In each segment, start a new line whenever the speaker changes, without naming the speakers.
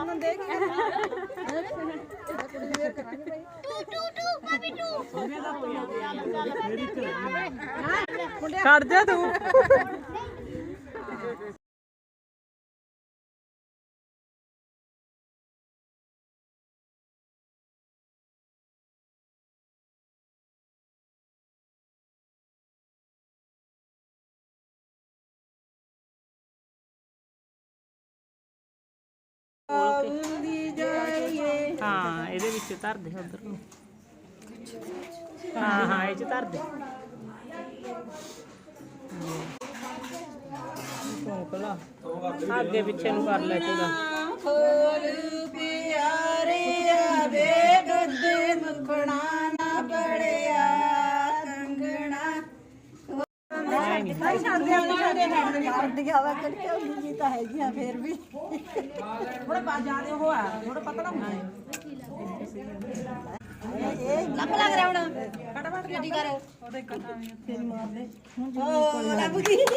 ਖੜ ਜਾ ਤੂੰ हाँ ਇਹਦੇ ਵਿੱਚ ਧਰ ਦੇ ਉਧਰ ਨੂੰ ਹਾਂ ਹਾਂ ਇਹ ਚ ਧਰ ਦੇ ਕੋਲਾ ਅੱਗੇ ਪਿੱਛੇ ਨੂੰ ਕਰ ਲੈ ਕੋਲਾ ਖੋਲ ਪਿਆਰੇ ਆਵੇ ਦੁੱਧ ਮੱਖਣਾ ਨਾ ਬੜਿਆ ਕੰਗਣਾ ਨਹੀਂ ਛੱਡਦੇ ਹਵਾ ਕਰਕੇ ਹੁੰਦੀ ਤਾਂ ਹੈਗੀਆਂ ਫੇਰ ਵੀ ਥੋੜਾ ਪਾ ਜਾਦੇ ਉਹ ਆ ਥੋੜਾ ਪਤਲਾ ਹੁੰਦਾ ਹੈ ਇਹ ਲੱਭ ਲੱਗ ਰਿਹਾ ਹੁਣ ਫਟਾਫਟ ਗੱਡੀ ਕਰ ਉਹਦੇ ਤੇਰੀ ਮਾਰ ਦੇ ਉਹ ਲੱਭ ਗਈ ਜੇ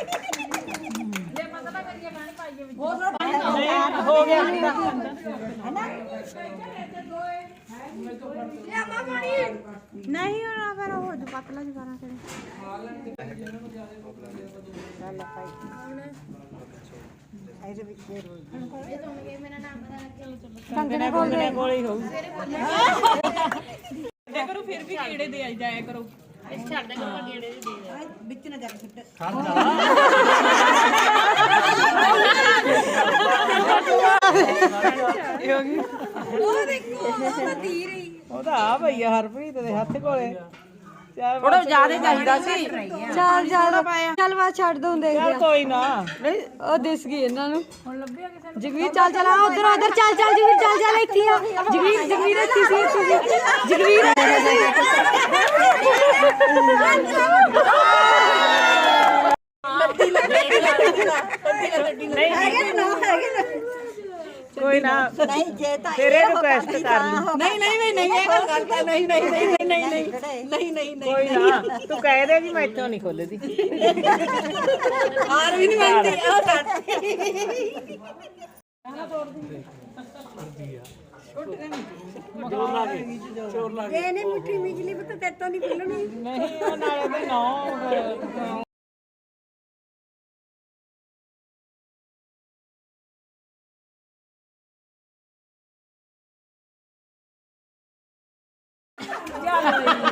ਪਤਲਾ ਕਰੀਏ ਪਾਣੀ ਪਾਈਏ ਵਿੱਚ ਹੋਰ ਪਾਣੀ ਹੋ ਗਿਆ ਹੈ ਨਾ ਇਹ ਮਾਂ ਪਾਣੀ ਨਹੀਂ ਹੋਣਾ ਫਿਰ ਉਹ ਜੋ ਪਤਲਾ ਜਿਹਾ ਕਰਾਂ ਇਹਦੇ ਵਿੱਚ ਫੇਰ ਹੋ ਇਹ ਤੋਂ ਮੇਰਾ ਨਾਮ ਪਤਾ ਲੱਗੇ ਕੰਗਣੇ ਕੋਲ ਹੀ ਹੋਊ ਇਹ ਕਰੋ ਫਿਰ ਵੀ ਕੀੜੇ ਦੇ ਆਈ ਜਾਇਆ ਕਰੋ ਇਸ ਛੱਡ ਦੇ ਕਰੋ ਕੀੜੇ ਦੇ ਵਿੱਚ ਨਾ ਜਾ ਕੇ ਛੱਡ ਖੜ ਜਾ ਉਹ ਦੇਖੋ ਉਹ ਤੀਰ ਹੀ ਉਹਦਾ ਆ ਭਈਆ ਹਰਪ੍ਰੀਤ ਦੇ ਹੱਥ ਕੋਲੇ ਥੋੜਾ ਜ਼ਿਆਦਾ ਚਾਹੀਦਾ ਸੀ
ਚੱਲ ਚੱਲ ਬਾਅਦ ਛੱਡ ਦੂੰ ਦੇਖ
ਚੱਲ ਕੋਈ ਨਾ
ਨਹੀਂ ਉਹ ਦਿਸ ਗਈ ਇਹਨਾਂ ਨੂੰ ਹੁਣ ਲੱਭਿਆ ਕਿਸੇ ਜਗਵੀਰ ਚੱਲ ਚੱਲ ਆ ਉਧਰ ਉਧਰ ਚੱਲ ਜਗਵੀਰ ਚੱਲ ਇੱਥੇ ਆ ਜਗਵੀਰ ਇੱਥੇ ਸੀ ਜਗਵੀਰ ਕੋਈ ਨਾ ਨਹੀਂ ਜੇ ਤਾਂ ਤੇਰੇ ਰਿਕੁਐਸਟ ਕਰ ਲਈ ਨਹੀਂ ਇਹ ਗੱਲ ਕਰਦਾ ਨਹੀਂ ਕੋਈ ਨਾ ਤੂੰ ਕਹਿ ਦੇ ਵੀ ਮੈਂ ਇੱਥੋਂ ਨਹੀਂ ਖੋਲਦੀ ਹਾਰ ਵੀ ਨਹੀਂ ਮੰਨਦੀ ਉਹ ਕਰਦੀ ਇਹ ਨਹੀਂ ਮਿੱਠੀ ਮਿਜਲੀ ਵੀ ਤਾਂ ਤੇਰੇ ਤੋਂ ਨਹੀਂ ਖੁੱਲਣੀ ਨਹੀਂ ਉਹ ਨਾਲੇ ਤੇ ਨਾ ਚੱਲ